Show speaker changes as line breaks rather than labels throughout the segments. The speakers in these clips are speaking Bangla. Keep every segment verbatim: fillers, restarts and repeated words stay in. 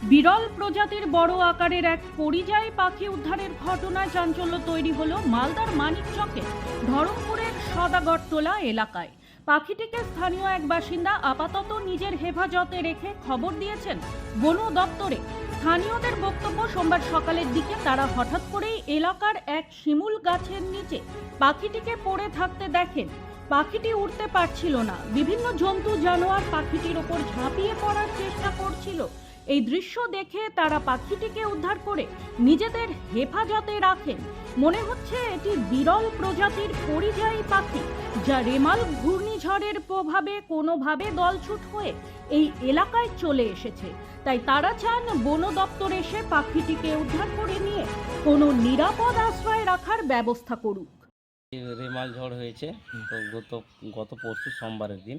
বিরল প্রজাতির বড় আকারের এক পরিযায়ী পাখি উদ্ধারের ঘটনায় চাঞ্চল্য তৈরি হলো মালদার মানিকচকে ধরমপুরের সদাগরটোলা এলাকায়। পাখিটিকে স্থানীয় এক বাসিন্দা আপাতত নিজের হেফাজতে রেখে খবর দিয়েছেন বন দপ্তরে। স্থানীয়দের বক্তব্য, সোমবার সকালের দিকে তারা হঠাৎ করেই এলাকার এক শিমুল গাছের নিচে পাখিটিকে পড়ে থাকতে দেখেন। পাখিটি উড়তে পারছিল না, বিভিন্ন জন্তু জানোয়ার পাখিটির ওপর ঝাঁপিয়ে পড়ার চেষ্টা করছিল। এই দৃশ্য দেখে তারা পাখিটিকে উদ্ধার করে নিজেদের হেফাজতে রাখেন। মনে হচ্ছে এটি বিরল প্রজাতির পরিযায়ী পাখি, যা রেমাল ঘূর্ণিঝড়ের প্রভাবে কোনোভাবে দলছুট হয়ে এই এলাকায় চলে এসেছে। তাই তারা চান বন দপ্তর এসে পাখিটিকে উদ্ধার করে নিয়ে কোনো নিরাপদ আশ্রয়ে রাখার ব্যবস্থা করুক।
রেমাল ঝড় হয়েছে তো গত গত পরশু সোমবারের দিন।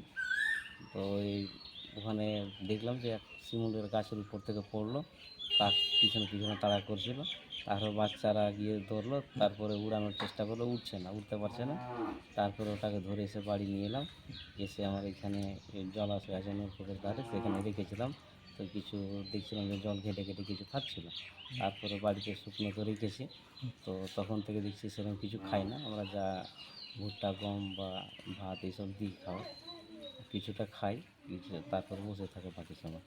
তো এই ওখানে দেখলাম যে এক শিমুলের গাছের উপর থেকে পড়লো, কাক পিছনে পিছনে তাড়া করছিল। তারপর বাচ্চারা গিয়ে ধরলো, তারপরে উড়ানোর চেষ্টা করলো, উঠছে না, উঠতে পারছে না। তারপরে ওটাকে ধরে এসে বাড়ি নিয়ে এলাম। এসে আমার এখানে জলাশয় আছে নৌকোকের ধারে, সেখানে রেখেছিলাম। তো কিছু দেখছিলাম যে জল ঘেটে ঘেটে কিছু খাচ্ছিল। তারপরে বাড়িতে শুকনো করে রেখেছি। তো তখন থেকে দেখছি সেরকম কিছু খাই না, আমরা যা ভুট্টা গম বা ভাত এইসব দিই খাওয়া, কিছুটা খাই, কিছু তারপর বসে থাকে বাকি সময়।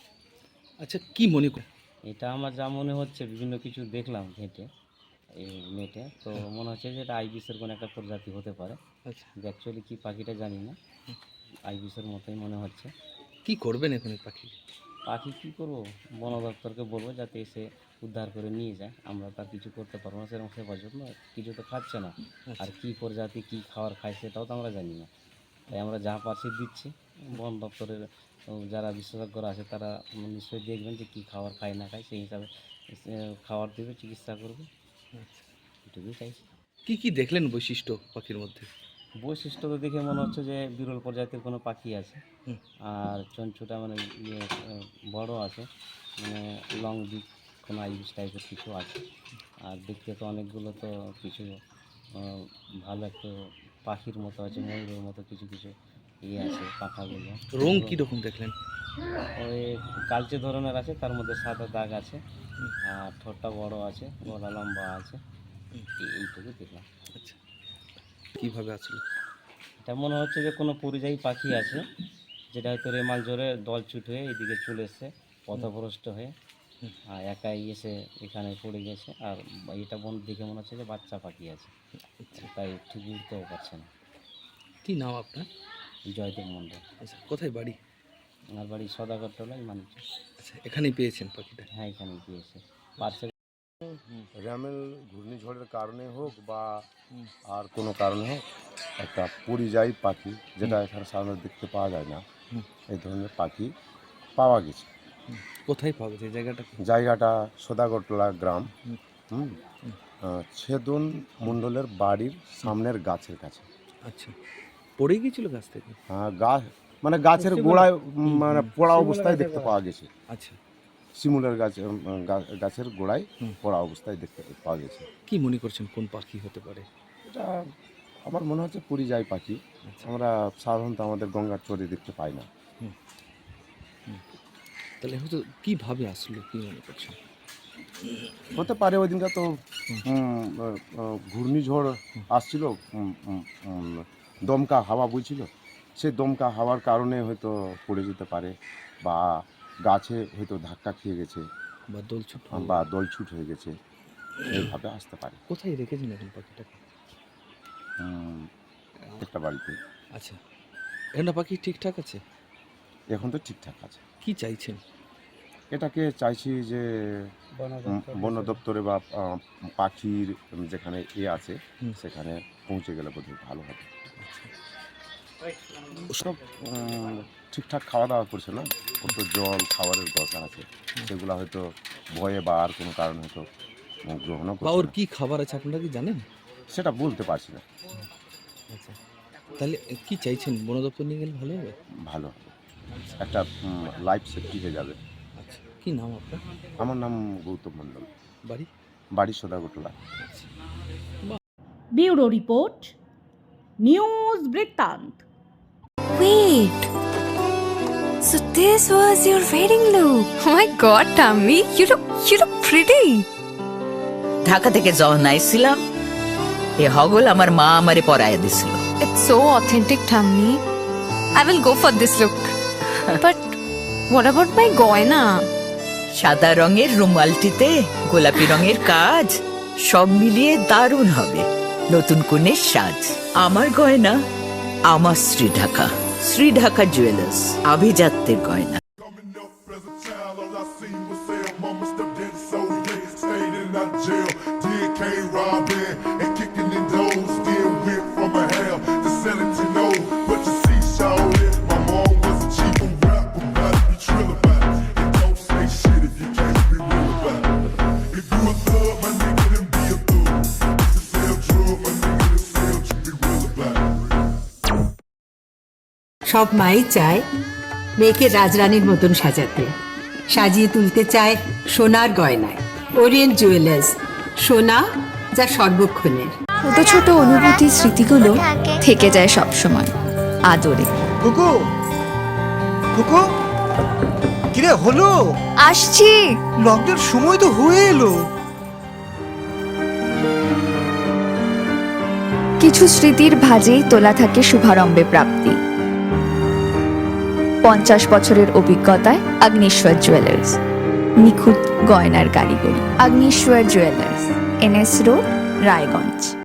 আচ্ছা, কি মনে কর
এটা আমার যা মনে হচ্ছে, বিভিন্ন কিছু দেখলাম ঘেঁটে এই নেটে, তো মনে হচ্ছে যে এটা আইবিসের কোনো একটা প্রজাতি হতে পারে।
আচ্ছা,
অ্যাকচুয়ালি কী পাখিটা জানি না, আইবিসের মতোই মনে হচ্ছে।
কি করবেন এখন এই পাখি?
পাখি কী করবো, বন দপ্তরকে বলবো যাতে এসে উদ্ধার করে নিয়ে যায়। আমরা তার কিছু করতে পারবো না, সেরকম সেবার জন্য কিছু তো খাচ্ছে না। আর কী প্রজাতি কী খাবার খায় সেটাও তো আমরা জানি না। তাই আমরা যা পাচ্ছি দিচ্ছি। বন দপ্তরের যারা বিশেষজ্ঞরা আছে তারা নিশ্চয়ই দেখবেন যে কী খাবার খায় না খায়, সেই হিসাবে খাবার দেবে, চিকিৎসা করবে, এটুকুই চাইছি।
কি কি দেখলেন বৈশিষ্ট্য পাখির মধ্যে?
বৈশিষ্ট্য তো দেখে মনে হচ্ছে যে বিরল প্রজাতির কোনো পাখি আছে।
হুম।
আর চঞ্চুটা মানে ইয়ে বড় আছে, মানে লং বিক কোনো আইবিস টাইপের কিছু আছে। আর দেখতে তো অনেকগুলো তো কিছু আহ, ভালো একটা পাখির মতো আছে, ময়ূরের মতো কিছু কিছু ইয়ে আছে পাখাগুলো।
রং কি রকম দেখলেন?
ওই কালচে ধরনের আছে, তার মধ্যে সাদা দাগ আছে। আর ঠোঁটটা বড় আছে, গলা লম্বা আছে, এই- এইটুকু দেখলাম।
আচ্ছা, কিভাবে আসলো?
এটা মনে হচ্ছে যে কোনো পরিযায়ী পাখি আছে, যেটা হয়তো রেমাল জোরে দলছুট হয়ে এদিকে চলে এসছে পথভ্রষ্ট হয়ে, আর একাই এসে এখানে পড়ে গেছে। আর এটা বন দেখে মনে হচ্ছে যে বাচ্চা পাখি আছে, তাই ঠিক উঠতেও পারছে না।
কি নাম আপনার?
জয়দেব মণ্ডল।
আচ্ছা, কোথায় বাড়ি?
আমার বাড়ি সদাগরটোলায় মানুষ।
আচ্ছা, এখানেই পেয়েছেন পাখিটা?
হ্যাঁ, এখানে গিয়েছে পার্সেল।
র্যামেল ঘূর্ণিঝড়ের কারণে হোক বা আর কোনো কারণে হোক, একটা পরিযায়ী পাখি, যেটা এখানে সাধারণত দেখতে পাওয়া যায় না,
হুম।
এই ধরনের পাখি পাওয়া গেছে।
কোথায় পাওয়া গেছে জায়গাটা?
জায়গাটা সদাগরটোলা গ্রাম,
হুম।
হুম আহ, ছেদন মণ্ডলের বাড়ির সামনের গাছের কাছে।
আচ্ছা, পড়ে গিয়েছিল গাছ থেকে?
আহ, গাছ মানে গাছের গোড়ায় উম, মানে পড়া অবস্থায় দেখতে পাওয়া গেছে।
আচ্ছা,
শিমুলের গাছ উম, গা- গাছের গোড়ায়
হুম।
পড়া অবস্থায় দেখতে পাওয়া গেছে।
কি মনে করছেন কোন পাখি হতে পারে?
এটা আমার মনে হচ্ছে পরিযায়ী পাখি।
আচ্ছা,
আমরা সাধারণত আমাদের গঙ্গার চরে দেখতে পাই না।
তাহলে হয়তো কিভাবে আসলো, কি মনে করছেন?
হতে পারে ওই দিনটা তো উম, আহ, আহ, ঘূর্ণিঝড় আসছিল, উম, উম, উম, দমকা হাওয়া বইছিল, সেই দমকা হাওয়ার কারণে হয়তো পড়ে যেতে পারে, বা গাছে হয়তো ধাক্কা খেয়ে গেছে,
বা দোলছুট হয়ে-
বা দলছুট হয়ে গেছে, এইভাবে আসতে পারে।
কোথায় রেখেছেন এখন পাখিটাকে?
উম, একটা বাড়িতে
আচ্ছা, এখন পাখি ঠিকঠাক আছে?
এখন তো ঠিকঠাক আছে।
কি চাইছেন?
এটাকে চাইছি যে উম, বন দপ্তরে বা আহ, পাখির যেখানে এ আছে
হুম।
সেখানে পৌঁছে গেলে বোধহয় ভালো হবে।
আচ্ছা,
ওসব উম, ঠিকঠাক খাওয়া দাওয়া করছে না, কত জল খাবারের দরকার আছে, সেগুলো হয়তো ভয়ে বা আর কোনো কারণে হয়তো গ্রহণও
বা
করছে
ওর
না।
কি খাবার আছে আপনারা কি জানেন?
সেটা বলতে পারছি না।
আচ্ছা, তাহলে কি চাইছেন, বন দপ্তর নিয়ে গেলে ভালো হবে?
ভালো হবে, একটা লাইফ সেফটি হয়ে যাবে।
আচ্ছা, কি নাম আপনার?
আমার নাম গৌতম মণ্ডল,
বাড়ি?
বাড়ি সদাগরটোলা।
আচ্ছা।
ব্যুরো রিপোর্ট, নিউজ বৃত্তান্ত।
Wait, So this was your wedding look. Oh my god, Tammy, you look you look pretty.
Dhaka থেকে যখন আইছিলাম এ হগল আমার মা আমারে পরাইয়া দিছিল।
It's so authentic, Tammy. I will go for this look. But what about my goina?
সাদা রঙের রুমালটিতে গোলাপি রঙের কাজ, সব মিলিয়ে দারুণ হবে নতুন কনের সাজ। আমার গয়না আমার শ্রী ঢাকা, শ্রী ঢাকা জুয়েলার্স, আভিজাত্যের গয়না।
Coming up as a child, all I seen was sell. Mama stepped in, so yeah, stayed in that jail. Did K robbing and kicking in doors. Still went from a hell to selling to know. But you see, shawty, my mom was a cheap and rap about it, be trill about it. And don't say shit if you can't be real about it. If you a thug, my nigga, then be a thug. If you sell drugs, my nigga, then sell, you be real about it.
সব মাই চায় মেয়েকে রাজরানীর মতন সাজাতে, সাজিয়ে তুলতে চায় সোনার গয়নায়। ওরিয়েন্ট জুয়েলার্স, সোনা যা সর্বক্ষণের।
ছোট ছোট অনুভূতি স্মৃতিগুলো থেকে যায় সব সময় আদরে।
কুকু কুকু কিরে হলো?
আসছি।
লকডাউন সময় তো হয়ে এলো।
কিছু স্মৃতির ভাজেই তোলা থাকে শুভারম্ভে প্রাপ্তি। পঞ্চাশ বছরের অভিজ্ঞতায় আগ্নেশ্বর জুয়েলার্স, নিখুঁত গয়নার কারিগরি। Agneshwar jewellers, NS road, Raiganj.